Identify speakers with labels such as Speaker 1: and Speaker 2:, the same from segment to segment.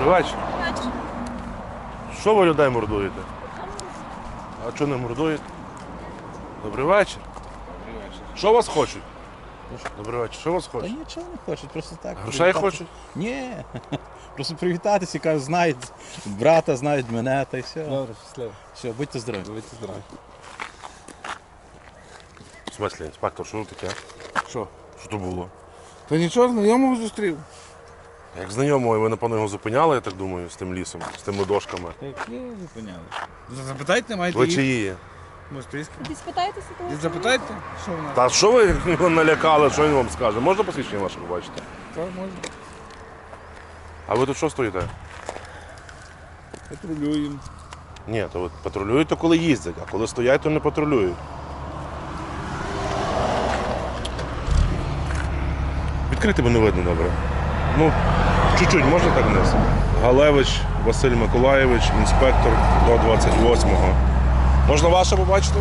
Speaker 1: Добрий вечір. Що ви людей мордуєте? А чого не мордуєте? Добрий вечір. Що вас хочуть? Добрий вечір. Що вас
Speaker 2: Та
Speaker 1: хочуть?
Speaker 2: нічого не хочуть, просто так.
Speaker 1: Грошей хочуть?
Speaker 2: Ні. Просто привітатися, кажуть, знають брата, знають мене, та й все.
Speaker 3: Добре, щасливо.
Speaker 2: Все, будьте здорові.
Speaker 3: Будьте здорові.
Speaker 1: В смислі, інспектор, що таке?
Speaker 3: Що?
Speaker 1: Що то було?
Speaker 3: Та нічого, знайомого зустрів.
Speaker 1: Як знайомого, ви, напевно, його зупиняли, я так думаю, з тим лісом, з тими дошками.
Speaker 3: Які зупиняли? Запитайте, маєте
Speaker 1: Ви
Speaker 3: їх?
Speaker 1: чиї є?
Speaker 3: Мостиська.
Speaker 4: Тоді спитайтеся того.
Speaker 3: І запитайте, що в нас.
Speaker 1: Та що ви його налякали, що він вам скаже? Можна посвідчення ваше побачити?
Speaker 3: Так, можна.
Speaker 1: А ви тут що стоїте?
Speaker 3: Патрулюємо.
Speaker 1: Ні, то ви патрулюєте, коли їздять, а коли стоять, то не патрулюють. Відкрити бо не видно добре. Ну, чуть-чуть, можна так вниз? Галевич Василь Миколаєвич, інспектор до 28-го. Можна ваше побачити?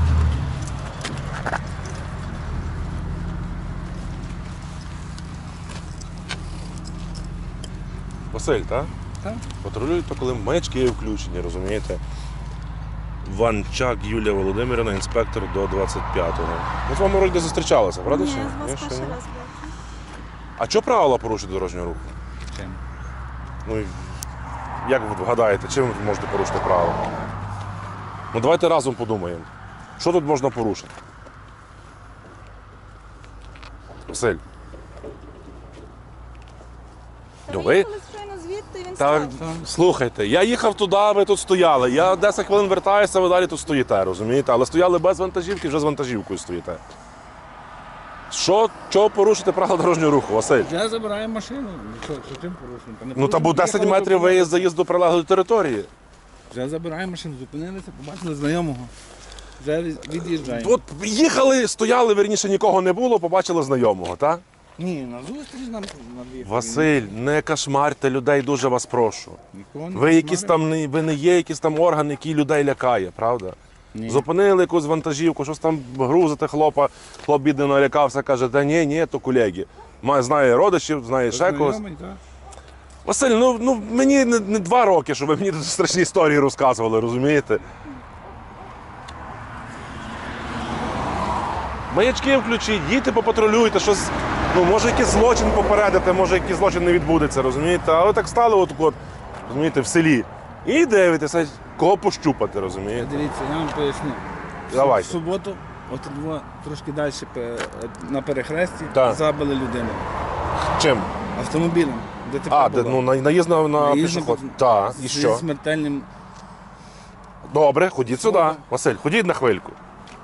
Speaker 1: Василь, так?
Speaker 3: Так.
Speaker 1: Патрулюєте, коли маячки включені, розумієте? Ванчак Юлія Володимирівна, інспектор до 25-го. Ми з вами вроді зустрічалися, правда?
Speaker 4: Ні,
Speaker 1: чи
Speaker 4: я
Speaker 1: ні?
Speaker 4: з вас
Speaker 1: Ні, ще
Speaker 4: перший
Speaker 1: ні?
Speaker 4: раз бачу.
Speaker 1: А чого правила порушити дорожнього руху?
Speaker 3: Чим?
Speaker 1: Ну, і як ви вгадаєте, чим ви можете порушити правила? Ну давайте разом подумаємо. Що тут можна порушити? Василь.
Speaker 4: Та
Speaker 1: Ну,
Speaker 4: ви
Speaker 1: ви-
Speaker 4: їхали щойно звідти, і він
Speaker 1: Так,
Speaker 4: сказав.
Speaker 1: слухайте, я їхав туди, ви тут стояли. Я 10 хвилин вертаюся, ви далі тут стоїте, розумієте? Але стояли без вантажівки, вже з вантажівкою стоїте. Чого порушити правила дорожнього руху, Василь?
Speaker 3: Я забираю машину. Що чим порушуємо?
Speaker 1: Ну та бо 10 метрів виїзд заїзд до прилеглої території.
Speaker 3: Вже забираю машину, зупинилися, побачили знайомого. Вже від'їжджаємо.
Speaker 1: От їхали, стояли, верніше нікого не було, побачили знайомого, так?
Speaker 3: Ні, на зустріч нам над'їхали.
Speaker 1: Василь, не кошмарте людей, дуже вас прошу.
Speaker 3: Нікого не
Speaker 1: Ви якісь
Speaker 3: кошмаримо.
Speaker 1: там ви не є якийсь там орган, який людей лякає, правда?
Speaker 3: Ні.
Speaker 1: Зупинили якусь вантажівку, щось там грузити хлопа, хлоп бідно налякався, каже, та ні, то колеги. Знає родичів, знає ще когось.
Speaker 3: Знайомий, так.
Speaker 1: Василь, ну мені не 2 роки, щоб ви мені тут страшні історії розказували, розумієте? Маячки включіть, їдьте попатрулюйте, щось, ну, може якийсь злочин попередити, може якийсь злочин не відбудеться, розумієте? А ви так стали от, розумієте, в селі. І дивитеся, кого пощупати, розумієте?
Speaker 3: Дивіться, я вам поясню.
Speaker 1: Давайте.
Speaker 3: В суботу, от трошки далі на перехресті,
Speaker 1: Так.
Speaker 3: забили людину
Speaker 1: Чим?
Speaker 3: автомобілем. ДТП
Speaker 1: А,
Speaker 3: було.
Speaker 1: наїзд на
Speaker 3: Наїзд
Speaker 1: пішоход.
Speaker 3: на-
Speaker 1: Так, і
Speaker 3: Зі
Speaker 1: що?
Speaker 3: смертельним.
Speaker 1: Добре, ходіть сюди. Василь, ходіть на хвильку.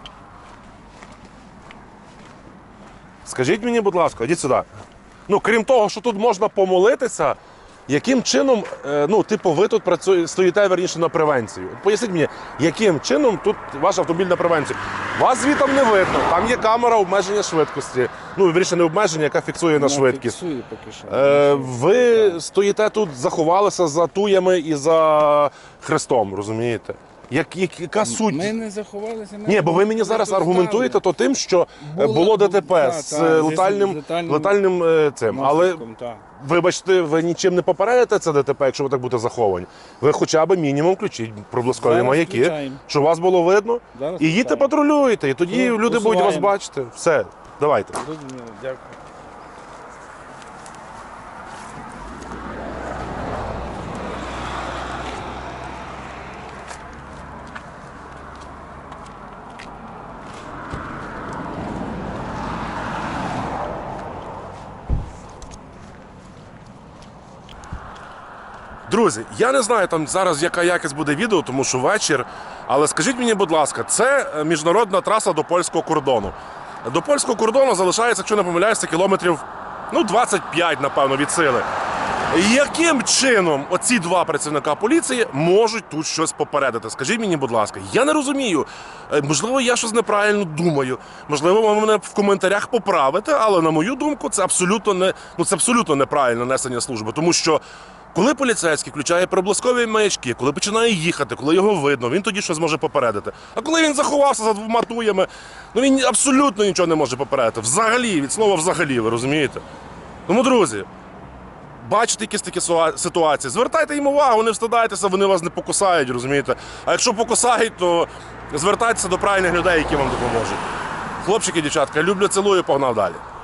Speaker 1: Скажіть мені, будь ласка, ходіть сюди. Ну, крім того, що тут можна помолитися, яким чином, ви тут стоїте, верніше, на превенцію? От поясніть мені, яким чином тут ваш автомобіль на превенцію? Вас звітом не видно, там є камера обмеження швидкості. Ну, верніше, не обмеження, яка фіксує на швидкість.
Speaker 3: Фіксує поки що.
Speaker 1: Ви стоїте тут, заховалися за туями і за хрестом, розумієте? Яка суть?
Speaker 3: Ми не заховалися.
Speaker 1: Ні, бо ви мені зараз аргументуєте то тим, що було ДТП з летальним цим. Але, вибачте, ви нічим не попередите це ДТП, якщо ви так будете заховані. Ви хоча б мінімум включіть проблискові
Speaker 3: Зараз
Speaker 1: маяки,
Speaker 3: включаємо.
Speaker 1: щоб вас було видно.
Speaker 3: Зараз
Speaker 1: І їдьте
Speaker 3: включаємо.
Speaker 1: патрулюєте, і тоді
Speaker 3: Ну,
Speaker 1: люди будуть вас
Speaker 3: усуваємо.
Speaker 1: бачити. Все, давайте.
Speaker 3: Дякую.
Speaker 1: Друзі, я не знаю там зараз, яка якість буде відео, тому що вечір. Але скажіть мені, будь ласка, це міжнародна траса до польського кордону. До польського кордону залишається, якщо не помиляюся, кілометрів 25, напевно, від сили. Яким чином оці 2 працівника поліції можуть тут щось попередити? Скажіть мені, будь ласка, я не розумію. Можливо, я щось неправильно думаю. Можливо, ви мене в коментарях поправите, але на мою думку, це абсолютно неправильне несення служби, тому що коли поліцейський включає проблискові маячки, коли починає їхати, коли його видно, він тоді щось може попередити. А коли він заховався за 2 туями, він абсолютно нічого не може попередити. Взагалі, від слова взагалі, ви розумієте? Тому, друзі, бачите якісь такі ситуації, звертайте їм увагу, не встидайтеся, вони вас не покусають, розумієте? А якщо покусають, то звертайтеся до правильних людей, які вам допоможуть. Хлопчики, дівчатка, люблю, цілую, погнав далі.